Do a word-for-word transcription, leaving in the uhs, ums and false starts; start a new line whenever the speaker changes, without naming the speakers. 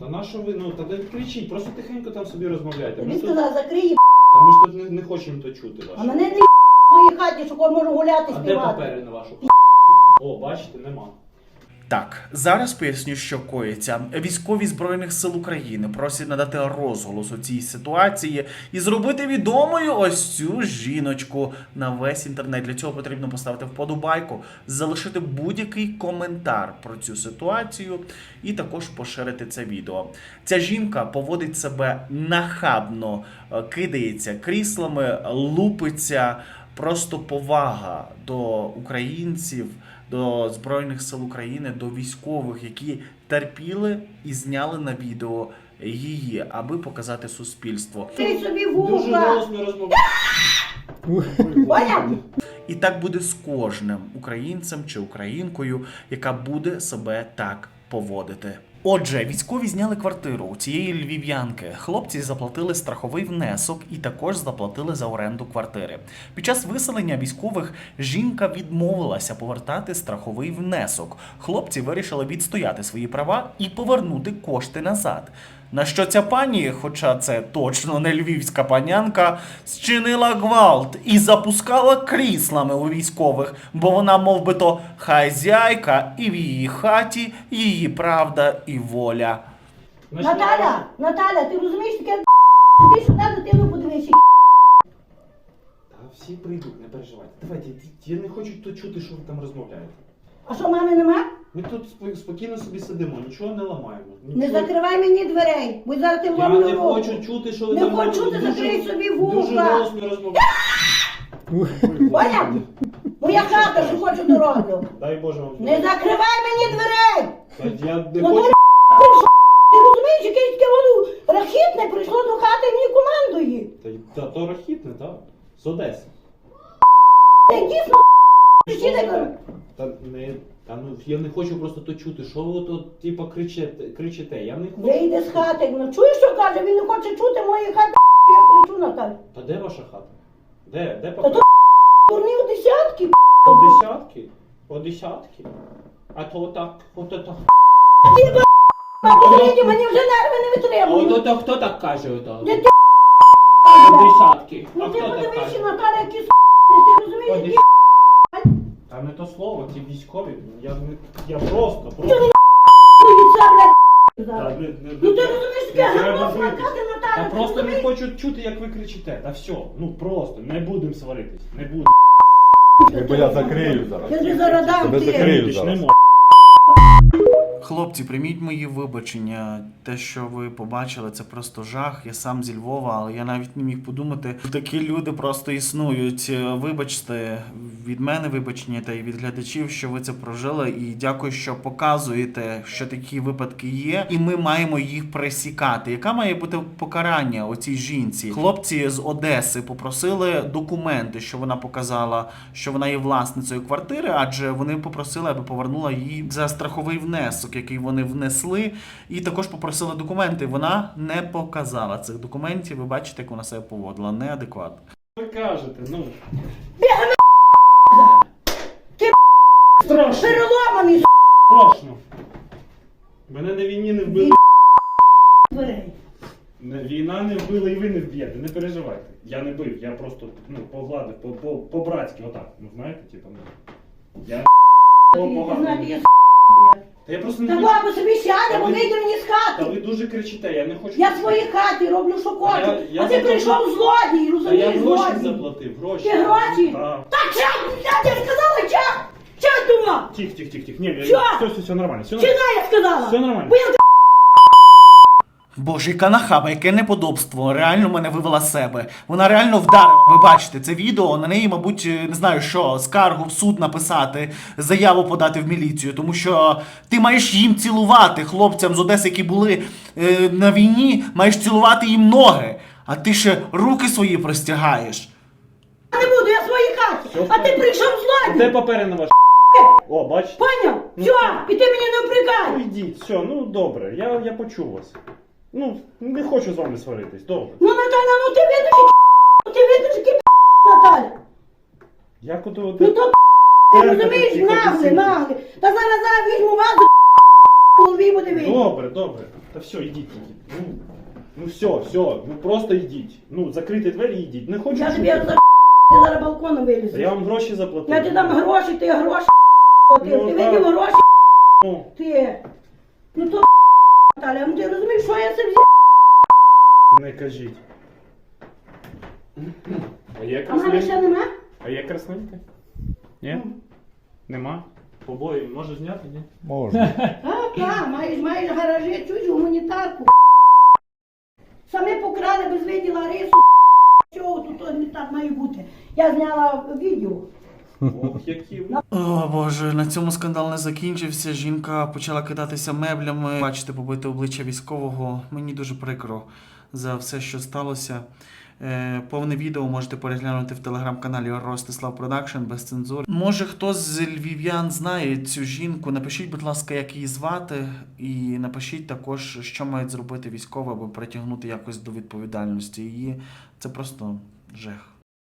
Та на що ви, ну, та не кричіть, просто тихенько там собі розмовляйте.
Тобі
Ми тут-
сказала, закрий
Та ми ж тут не, не хочемо то чути
а
ваше.
мене не в своїй хаті, що можу гуляти,
А де
співати.
папери на вашу О, бачите, нема.
Так, зараз поясню, що коїться. Військові Збройних сил України просять надати розголос у цій ситуації і зробити відомою ось цю жіночку на весь інтернет. Для цього потрібно поставити вподобайку, залишити будь-який коментар про цю ситуацію і також поширити це відео. Ця жінка поводить себе нахабно, кидається кріслами, лупиться. Просто повага до українців, до Збройних сил України, до військових, які терпіли і зняли на відео її, аби показати суспільству.
Ти собі
Дуже
вуха.
голосно розмовляєте.
Поняв?
І так буде з кожним українцем чи українкою, яка буде себе так поводити. Отже, військові зняли квартиру у цієї львів'янки. Хлопці заплатили страховий внесок і також заплатили за оренду квартири. Під час виселення військових жінка відмовилася повертати страховий внесок. Хлопці вирішили відстояти свої права і повернути кошти назад. На що ця пані, хоча це точно не львівська панянка, зчинила гвалт і запускала кріслами у військових, бо вона мов би то хазяйка і в її хаті її правда і воля.
Значить,
Наталя, Наталя, ти розумієш, таке ти сюди дитину подивися.
Та всі прийдуть, не переживайте. Давайте, я не хочу тут чути, що ви там розмовляєте.
А що, мами нема?
Ми тут спо- спокійно собі сидимо, нічого не ламаємо.
Не
Нічого-
закривай мені дверей, бо зараз ти
Я
вломлю
не
руку.
хочу чути, що ви
Не
там
хочу
говорите.
чути, закрий
Дуже-
собі
Дуже
вуха.
голосно розмовляєте.
Поняв? Моя хата, що хочу дороблю.
Дай Боже вам.
Не закривай мені дверей!
Та Я не
Ну
хочу.
то прийшов, ти розумієш, якесь таке воно рахітне прийшло до хати і мені командує.
Та, та то рахітне, так? З Одеси.
Та дійсно ще не кажу.
Та не. Та ну я не хочу просто то чути. Що ви тут типа кричите, кричите? Я не хочу.
Вийди з хати. Ну чуєш, що каже? Він не хоче чути моєї хати, я кричу, Наталя.
Та де ваша хата? Де? Де
Та
папа?
то дурні у десятки.
По десятки? По десятки? А то так, ото так.
Посередні, мені вже нерви не
А
витримують.
ото так, хто так каже ото?
Не ти
По десятки. А
Ну ти
хто так
подивися,
каже?
Наталя, які с***, ти
По
розумієш, які
десятки. Та не то слово, ці військові. Я, не- я просто, просто.
від це, блядь,
Та
зараз.
не- не-
Ну ти
не-
розумієш,
не
таке
треба
гарно
битись.
плакати,
Та
Наталя, ти
просто не
розумієш?
хочу чути, як ви кричите. Та все, ну просто, не будемо сваритись, не будемо.
Бо я закрию зараз.
Я тобі зараз дам,
Тебе
ти.
закрию
Більш не
зараз.
можу.
Хлопці, прийміть мої вибачення. Те, що ви побачили, це просто жах. Я сам зі Львова, але я навіть не міг подумати, що такі люди просто існують. Вибачте, від мене вибачення та й від глядачів, що ви це прожили. І дякую, що показуєте, що такі випадки є. І ми маємо їх пресікати. Яка має бути покарання оцій жінці? Хлопці з Одеси попросили документи, що вона показала, що вона є власницею квартири, адже вони попросили, аби повернула їй за страховий внесок, який вони внесли, і також попросили документи. Вона не показала цих документів. Ви бачите, як вона себе поводила. Неадекватно.
Ви кажете, ну.
Ти
Страшно,
переломаний, с***,
страшно. Мене на війні не вбили.
дверей.
Не- Війна не вбила і ви не вб'єте, не переживайте. Я не бив, я просто ну, погладив, по- по- по-братськи, отак. Ну знаєте, типу, ну. Я було
Ти
погано.
знаєш, я с***.
Та я просто не
Та
хочу.
баба собі сяде,
Та
бо
ви-
вийде мені з
Та
хати.
ви дуже кричите, я не хочу.
Я в своїй хаті роблю, що хочу.
я- я
А ти
заплатив-
прийшов злодій,
Та я
розумієш,
гроші
злодій.
заплатив, гроші.
Ти гроші?
Так.
Так, чат, я тебе сказала, чат. Чат дума.
Тих, тих, тих, тих. Ні, я-
Що?
все, все, все нормально. Все
Чина,
нормально.
я сказала.
Все нормально.
Бо я
Боже, яка нахаба, яке неподобство. Реально мене вивела з себе. Вона реально вдарила. Ви бачите це відео. На неї, мабуть, не знаю що, скаргу в суд написати, заяву подати в міліцію. Тому що ти маєш їм цілувати, хлопцям з Одеси, які були е, на війні, маєш цілувати їм ноги. А ти ще руки свої простягаєш.
не буду, я в своїй хаті.
Все,
А ти прийшов
Де
злодій.
папери на ваш? О, бачите?
Поняв?
Ну,
Все,
що?
і ти мені не
Ну
впрягай.
йдіть, все, ну добре, я, я почув вас. Ну, не хочу з вами сваритись, добре.
Ну, Наталя, ну ти видиш, які ти видиш, які Наталя.
Як ото...
Ну то ти розумієш,
Тихо,
нагле,
тихо.
нагле. Та зараз зараз візьму вазу, в голові буде видно.
Добре, добре. Та все, йдіть, йдіть. Ну, ну все, все, ну просто йдіть. Ну, закрийте двері і йдіть. Не хочу
Я тобі
чути.
за ти зараз балконом
Та
вилізеш.
я вам гроші заплатив.
Я тобі дам гроші, ти гроші ти,
Ну,
ти
так.
видів гроші
Ну,
ти. Ну то Наталя, ну ти розумієш, що я це взяв?
не кажіть. А є
А в мене ще
красненька?
нема?
А є красненька? Ні? Нема? Побої може зняти, ні?
Можна.
Так, так, маєш, маєш гаражі, чуєш, гуманітарку. Саме покрали без виділа рису. Чого тут то не так має бути? Я зняла відео.
Ох, які ви.
О боже, на цьому скандал не закінчився. Жінка почала кидатися меблями. Бачите, побите обличчя військового. Мені дуже прикро за все, що сталося. Е, повне відео можете переглянути в телеграм-каналі Ростислав Продакшн без цензури. Може, хтось з львів'ян знає цю жінку. Напишіть, будь ласка, як її звати, і напишіть також, що мають зробити військові, аби притягнути якось до відповідальності її. Це просто жах.